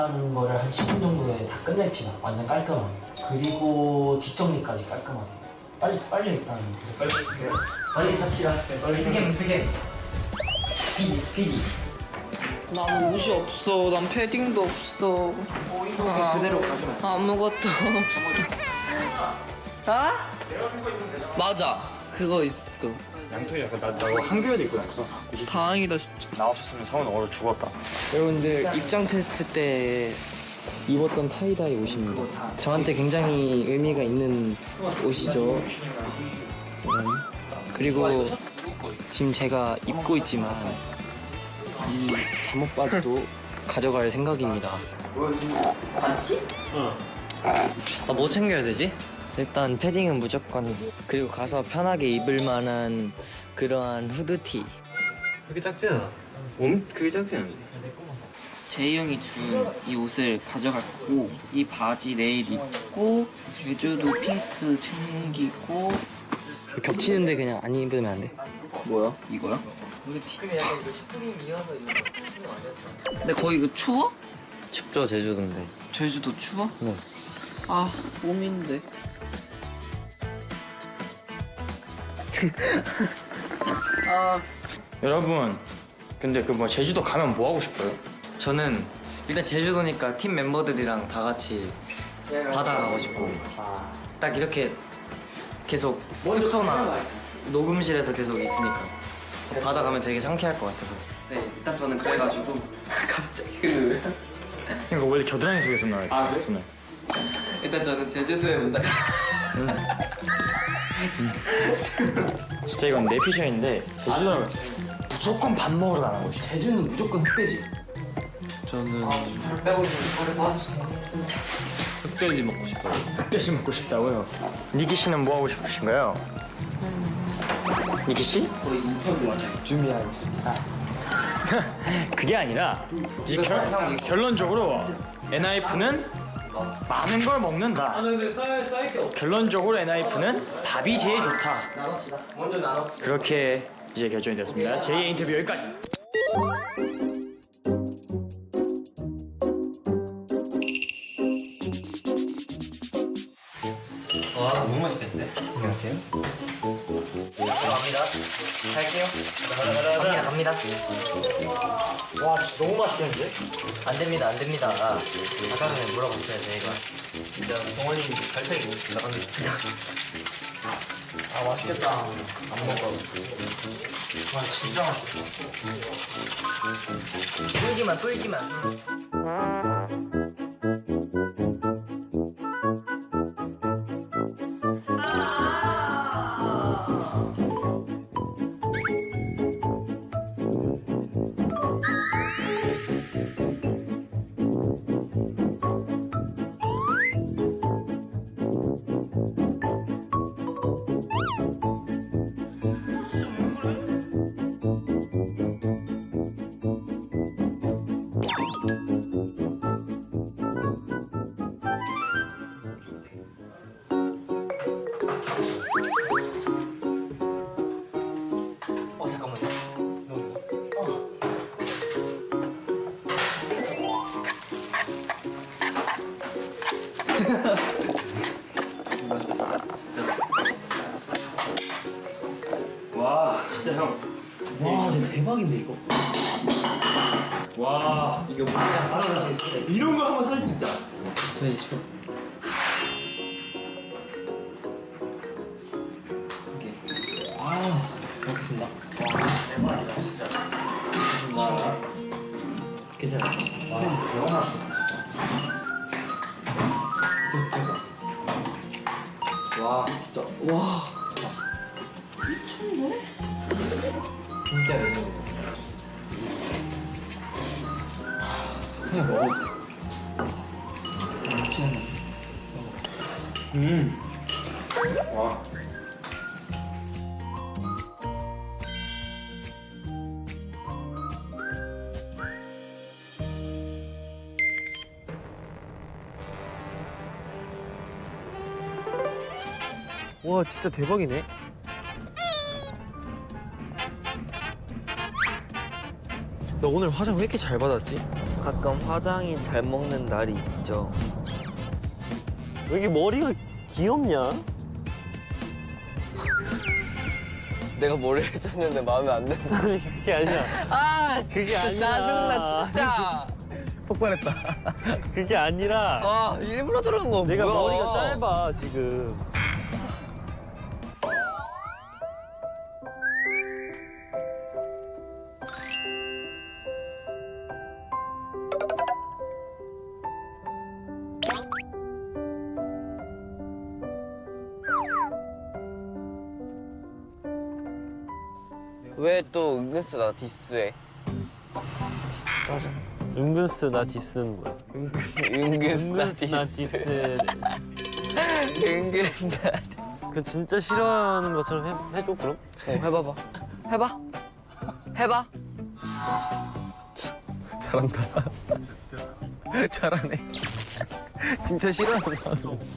하는 거를 한 10분 정도에 다 끝냅시다. 완전 깔끔하게. 그리고 뒷정리까지 깔끔하게. 빨리 일단 빨리 삽시다. 스겜 스피디. 난 옷이 없어. 난 패딩도 없어. 그대로 가시면 아무것도 없어. 아? 맞아. 그거 있어. 양털이 약간 나 한규에도 입고 다녔어. 다행이다 진짜. 나 없었으면 성은 얼어 죽었다. 여러분들 입장 테스트 때 입었던 타이다이 옷입니다. 저한테 굉장히 의미가 있는 옷이죠. 짜잔. 그리고 지금 제가 입고 있지만 이 잠옷 바지도 가져갈 생각입니다. 뭐 챙겨야 되지? 일단 패딩은 무조건. 그리고 가서 편하게 입을 만한 그러한 후드티. 그게 작지 않아. 그게 작지 않아. 제이 형이 준 이 옷을 가져갈 거고, 이 바지 내일 입고, 제주도 핑크 챙기고. 겹치는데 그냥 안 입으면 안 돼? 뭐야? 이거야? 근데 거기 이거 추워? 춥죠, 제주도인데. 제주도 추워? 네. 아, 봄인데. 아, 여러분, 근데 그 뭐 제주도 가면 뭐 하고 싶어요? 저는 일단 제주도니까 팀 멤버들이랑 다 같이 바다 가고 싶고, 딱 이렇게 계속 숙소나 녹음실에서 계속 있으니까 바다 가면 되게 상쾌할 것 같아서. 네, 일단 저는 그래가지고. 갑자기. 이거 원래 겨드랑이 속에서 나와요. 아 그래? 일단 저는 제주도에 온다. 진짜 이건 내 피셜인데 제주도는 무조건 밥 먹으러 가는 곳이야. 제주는 무조건 흑돼지. 발 빼고 있는 거를 봐주세요. 흑돼지 먹고 싶어요. 흑돼지 먹고 싶다고요? 니키 씨는 뭐 하고 싶으신가요? 니키 씨? 거의 인터뷰 완전 준비하고 있습니다. 그게 아니라 이제 결론적으로 NIF는 많은 걸 먹는다. 결론적으로 NIF는 밥이 제일 좋다. 먼저 나눠. 그렇게 이제 결정이 됐습니다. 제2의 인터뷰 여기까지. 와, 너무 맛있겠는데? 안녕하세요. 갑니다. 갈게요. 갑니다. 와 진짜 너무 맛있겠는데? 안 됩니다, 안 됩니다. 아까 전에 물어봤어요, 저희가. 진짜 동원이 발차기 나갑니다. 아 맛있겠다. 안 먹어. 와 진짜 맛있어. 쫄기만. 와 진짜 형. 와 진짜 대박인데 이거. 와 이거 뭐야? 이런 거 한번 사진 찍자. 저희 추. 아 먹겠습니다. 대박이다 진짜. 괜찮아. 와 대박 맛있다. 와 진짜 와 미쳤네. 진짜 맛있네. 그냥 먹어도 돼. 미치겠네. 와. 와 진짜 대박이네. 너 오늘 화장 왜 이렇게 잘 받았지? 가끔 화장이 잘 먹는 날이 있죠. 왜 이렇게 머리가 귀엽냐? 내가 뭘 해줬는데 마음에 안 든다. 아니 그게 아니야. 아, 그게 아니라. 짜증나 진짜. 폭발했다. 그게 아니라 아, 일부러 저러는 거 내가 뭐야? 머리가 짧아 지금. 왜 또 은근슬 나 디스해? 진짜 짜증. 은근스 나 디스는 거야. 은근슬 나 디스. 은근슬 나. 그 진짜 싫어하는 것처럼 해줘 그럼? 해봐봐. 해봐. 해봐. 잘한다. 잘하네. 진짜 싫어하는 거.